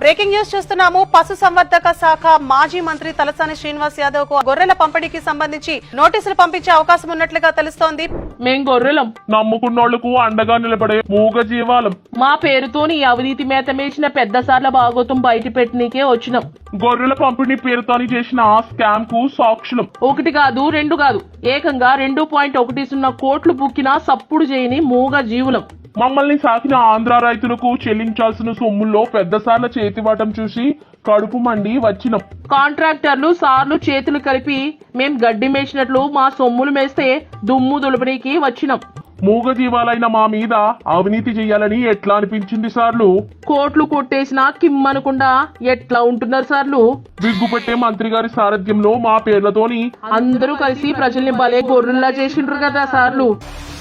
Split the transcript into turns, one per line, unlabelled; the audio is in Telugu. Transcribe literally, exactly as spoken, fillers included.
బ్రేకింగ్ న్యూస్ చూస్తున్నాము. పశు సంవర్ధక శాఖ మాజీ మంత్రి తలసాని శ్రీనివాస్ యాదవ్ కు గొర్రెల పంపిణీకి సంబంధించి నోటీసులు పంపించే అవకాశం ఉన్నట్లుగా తెలుస్తోంది.
మేం గొర్రెలం,
నమ్ముకున్నోళ్లకు అండగా నిలబడే మూగ జీవాలం.
మా పేరుతోని అవినీతి మేత మేసిన పెద్ద సార్ల భాగోతం బయట పెట్టనీకే వచ్చినాం.
గొర్రెల పంపిణీ పేరుతోని చేసిన స్కామ్ కు సాక్షులం.
ఒకటి కాదు, రెండు కాదు, ఏకంగా రెండు పాయింట్ ఒకటి సున్నా కోట్లు బుక్కినా సప్పుడు చేయని మూగ జీవులం.
మమ్మల్ని సాకిన ఆంధ్ర రైతులకు చెల్లించాల్సిన సొమ్ముల్లో పెద్ద సార్ల చేతివాటం చూసి కడుపు మండి వచ్చినాం.
కాంట్రాక్టర్లు సార్లు చేతులు కలిపి మేం గడ్డి మేసినట్లు మా సొమ్ములు మేస్తే దుమ్ము దులపనీకి వచ్చినాం.
మూగ జీవాలైన మా మీద అవినీతి చెయ్యాలని ఎట్లా అనిపించింది సార్లు?
కోట్లు కొట్టేసినా కిమ్మనకుండా ఎట్లా ఉంటున్నారు సార్లు?
విగ్గుపెట్టే మంత్రి గారి సారథ్యంలో మా పేర్లతోని
అందరూ కలిసి ప్రజల్ని భలే గొర్రెల్లా చేసిండ్రు కదా సార్లు.